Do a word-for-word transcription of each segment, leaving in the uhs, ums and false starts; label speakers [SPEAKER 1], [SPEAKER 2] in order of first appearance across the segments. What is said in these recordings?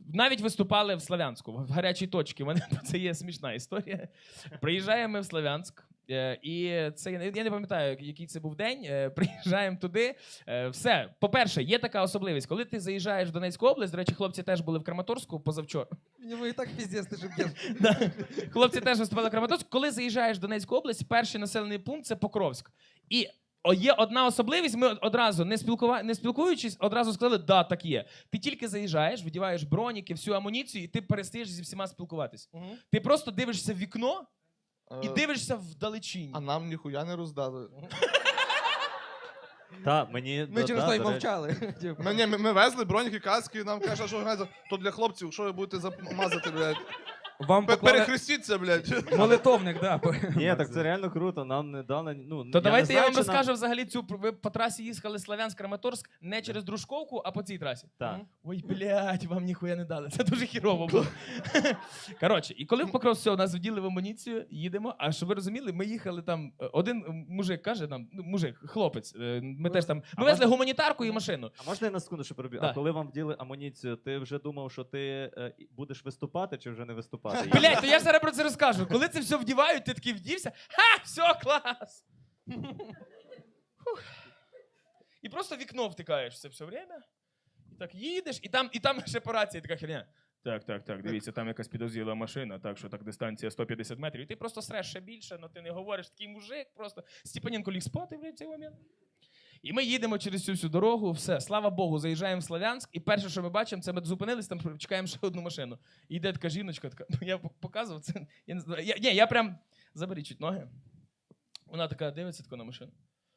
[SPEAKER 1] навіть виступали в Слов'янську, в гарячій точці. У мене це є смішна історія. Приїжджаємо ми в Слов'янськ. І це, я не пам'ятаю, який це був день, приїжджаємо туди, все. По-перше, є така особливість, коли ти заїжджаєш в Донецьку область, до речі, хлопці теж були в Краматорську позавчора.
[SPEAKER 2] Мені і так піздець, ти шиб'єш.
[SPEAKER 1] Хлопці теж виступали в Краматорську. Коли заїжджаєш в Донецьку область, перший населений пункт – це Покровськ. І є одна особливість, ми одразу, не, спілкува... не спілкуючись, одразу сказали, да, так є. Ти тільки заїжджаєш, видіваєш броніки, всю амуніцію, і ти перестаєш зі всіма спілкуватись. Угу. Ти просто дивишся в вікно, і дивишся вдалечінь.
[SPEAKER 3] А нам ніхуя не роздали.
[SPEAKER 4] Та, мені...
[SPEAKER 2] Ми через то й мовчали.
[SPEAKER 3] Ми, ні, ми, ми везли броніки, каски, нам кажуть, що гайза, то для хлопців, що ви будете замазати, блядь.
[SPEAKER 2] Вам
[SPEAKER 3] Пе-
[SPEAKER 2] поклали
[SPEAKER 3] Перехрестіться, блядь.
[SPEAKER 2] молитовник, да.
[SPEAKER 4] Ні, так це реально круто, нам не дали, ну...
[SPEAKER 1] То давайте я
[SPEAKER 4] знаю,
[SPEAKER 1] вам
[SPEAKER 4] чи
[SPEAKER 1] розкажу
[SPEAKER 4] нам-
[SPEAKER 1] взагалі цю, ви по трасі їхали Слов'янськ-Краматорськ не через Дружковку, а по цій трасі.
[SPEAKER 4] Так.
[SPEAKER 1] Ой, блядь, вам ніхуя не дали. Це дуже хірово було. Коротше, і коли в Покров все, нас вділи в амуніцію, їдемо, а щоб ви розуміли, ми їхали там, один мужик каже нам, ну, мужик, хлопець, е, ми теж там, ми везли гуманітарку і машину.
[SPEAKER 4] А можна я на секунду ще переб'ю?
[SPEAKER 1] Да.
[SPEAKER 4] А коли вам вділи амуніцію, ти вже думав, що ти е, будеш виступати чи вже не виступати?
[SPEAKER 1] Блядь, то я ж зараз про це розкажу. Коли це все вдівають, ти такий вдівся, ха, все, клас. Фух. І просто в вікно втикаєш все все время. І так їдеш, і там, і там ще по рації така херня. Так, так, так, дивіться, там якась підозріла машина, так що так дистанція сто п'ятдесят метрів. І ти просто среш ще більше, але ти не говориш, такий мужик просто. Степаненко ліг спати в цей момент. І ми їдемо через цю всю дорогу, все, слава Богу, заїжджаємо в Слов'янськ, і перше, що ми бачимо, це ми зупинились, там чекаємо ще одну машину. І йде така жіночка, така, ну я показував, це, я не знаю, я, ні, я прям, заберіть чуть ноги. Вона така дивиться така на машину.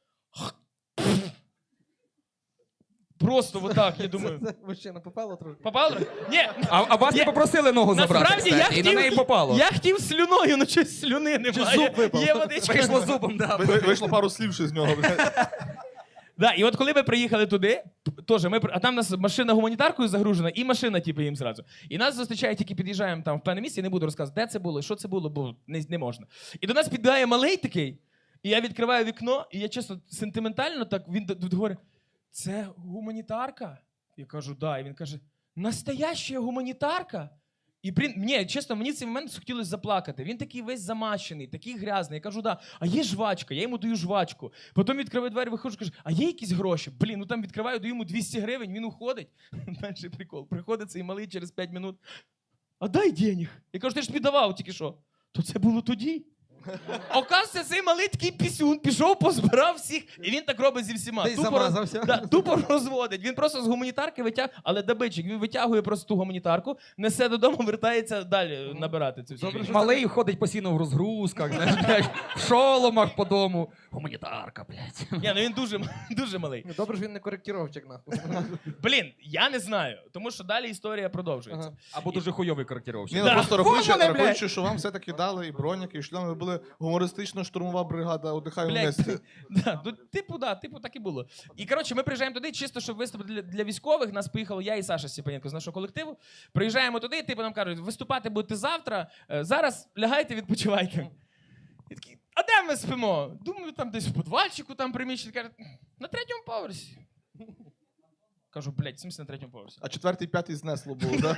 [SPEAKER 1] Просто отак, я думаю.
[SPEAKER 2] Це мужчина попало трошки.
[SPEAKER 1] Попало? Ні.
[SPEAKER 5] А, а вас
[SPEAKER 1] Я-
[SPEAKER 5] не попросили ногу забрати,
[SPEAKER 1] Насправді я
[SPEAKER 5] кстати, і на
[SPEAKER 1] хотів,
[SPEAKER 5] неї попало.
[SPEAKER 1] я хотів слюною, але щось слюни немає.
[SPEAKER 2] зуб випав.
[SPEAKER 1] Є водичка.
[SPEAKER 5] Вийшло зубом, да.
[SPEAKER 3] Ви- Вийшло пару слів ще з нього, блядь.
[SPEAKER 1] Да, і от коли ми приїхали туди, теж ми, при- а там у нас машина гуманітаркою загружена, і машина, типу, їм зразу. І нас зустрічають, тільки під'їжджаємо там в певне місце, я не буду розказувати, де це було, що це було, бо не, не можна. І до нас підбігає малий такий, і я відкриваю вікно, і я чесно, сентиментально так, він д- д- говорить, це гуманітарка? Я кажу, да. І він каже, настояща гуманітарка? І блін, мені, чесно, мені в цей момент хотілося заплакати. Він такий весь замащений, такий грязний. Я кажу, да, а є жвачка, я йому даю жвачку. Потім відкриваю двері, виходжу, кажу, а є якісь гроші? Блін, ну там відкриваю, даю йому двісті гривень, він уходить. Дальше прикол. Приходить цей малий через п'ять минут. А дай денег. Я кажу, ти ж тобі давав тільки що. То це було тоді. Оказується, цей малий такий пісюн, пішов, позбирав всіх, і він так робить зі всіма.
[SPEAKER 2] Десь
[SPEAKER 1] Тупо
[SPEAKER 2] замазався.
[SPEAKER 1] роз- Да, тупо розводить. Він просто з гуманітарки витягує, але добичик, він витягує просто ту гуманітарку, несе додому, вертається далі набирати цю всю. фігню.
[SPEAKER 5] Малий ходить постійно в розгрузках, знаєш, блядь, в шоломах по дому. Гуманітарка, блядь.
[SPEAKER 1] Ні, ну він дуже, дуже малий.
[SPEAKER 2] Ну, добре ж він не коректіровчик, нахуй.
[SPEAKER 1] Блін, я не знаю, тому що далі історія продовжується.
[SPEAKER 2] Ага.
[SPEAKER 5] Або дуже хуйовий коректировщик.
[SPEAKER 3] Ні, ну
[SPEAKER 1] Да.
[SPEAKER 3] просто рахуючи,
[SPEAKER 5] Формули, блядь.
[SPEAKER 3] рахуючи, що вам все-таки дали і броніки, і шльоми, ви були гумористично-штурмова бригада, отдихаємо
[SPEAKER 1] Блядь,
[SPEAKER 3] вместе.
[SPEAKER 1] да, ну, типу, да, типу, так і було. І, коротше, ми приїжджаємо туди, чисто, щоб виступити для, для військових. Нас поїхало я і Саша Степаненко з нашого колективу. Приїжджаємо туди, типу, нам кажуть, виступати будете завтра, е, зараз лягайте, відпочивайте. І такі, а де ми спимо? Думаю, там десь в подвальчику там приміщення. Кажуть, на третьому поверсі. Кажу, блядь, в смысле на третьому поверсі?
[SPEAKER 3] А четвертий, п'ятий знесло було, да?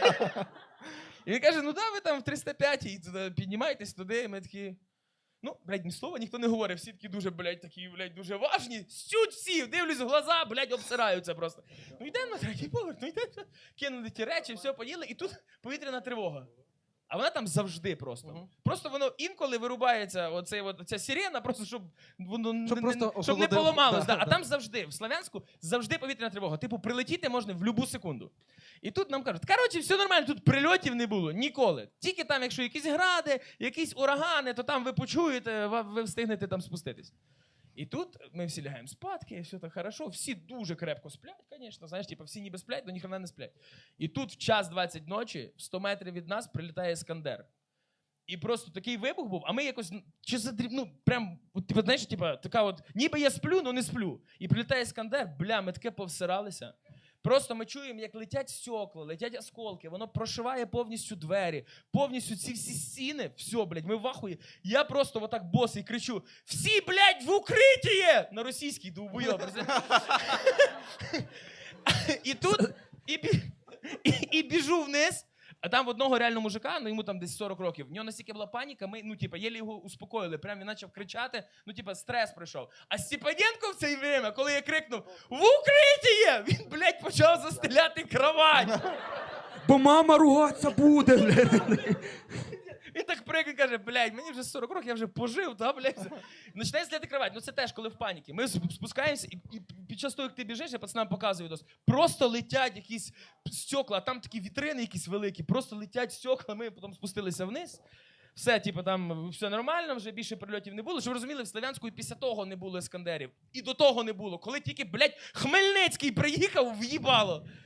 [SPEAKER 1] І він каже, ну да, ви там в триста п'ятій туди піднімайтесь туди, і ми такі. Ну, блядь, ні слова ніхто не говорить, всі такі дуже, блядь, такі, блядь, дуже важні. Стють всі, дивлюсь в глаза, блядь, обсираються просто. Ну йдемо на третій поверх, ну йдемо. Кинули ті речі, все поїли, і тут повітряна тривога. А вона там завжди просто.
[SPEAKER 2] Мгм.
[SPEAKER 1] Просто воно інколи вирубається, оцей, от, ця сирена, просто щоб воно
[SPEAKER 2] Щоб
[SPEAKER 1] не,
[SPEAKER 2] просто
[SPEAKER 1] не, щоб не
[SPEAKER 2] охолодив.
[SPEAKER 1] поламалось.
[SPEAKER 2] Да,
[SPEAKER 1] Да, а
[SPEAKER 2] да.
[SPEAKER 1] там завжди, в Слов'янську, завжди повітряна тривога. Типу, прилетіти можна в будь-яку секунду. І тут нам кажуть, коротше, все нормально, тут прильотів не було ніколи. Тільки там, якщо якісь гради, якісь урагани, то там ви почуєте, ва- ви встигнете там спуститись. І тут ми всі лягаємо спадки, все так хорошо, всі дуже крепко сплять, звісно, знаєш, типу, всі ніби сплять, але ніхрена не сплять. І тут в час двадцять ночі, в сто метрів від нас, прилітає Іскандер. І просто такий вибух був, а ми якось, чи задріб, ну, прям, от, типу, знаєш, типу, така от, ніби я сплю, але не сплю. І прилітає Іскандер, бля, ми таке повсиралися. Просто ми чуємо, як летять стекла, летять осколки, воно прошиває повністю двері, повністю ці всі стіни, все, блядь, ми в ахуї. Я просто отак босий кричу, всі, блядь, в укритті! На російській довбойоб. І тут, і, бі- І, і біжу вниз. А там в одного реально мужика, ну йому там десь сорок років, в нього настільки була паніка, ми, ну, типа, єлі його успокоїли. Прям він почав кричати, ну, типа, стрес пройшов. А Степаненко в це время, коли я крикнув «В укриття!», він, блядь, почав застеляти кровать.
[SPEAKER 5] Бо мама ругатися буде, блядь.
[SPEAKER 1] Він так прикне каже, блядь, мені вже сорок років, я вже пожив, та, блядь. Починає зляти кровать. Ну це теж, коли в паніки. Ми спускаємося, і, і під час того, як ти біжиш, я пацанам показую дос, просто летять якісь стекла, а там такі вітрини якісь великі, просто летять стекла, ми потім спустилися вниз. Все, типу, там все нормально, вже більше прильотів не було. Щоб ви розуміли, в Слов'янську і після того не було іскандерів. І до того не було. Коли тільки, блядь, Хмельницький приїхав, в'їбало.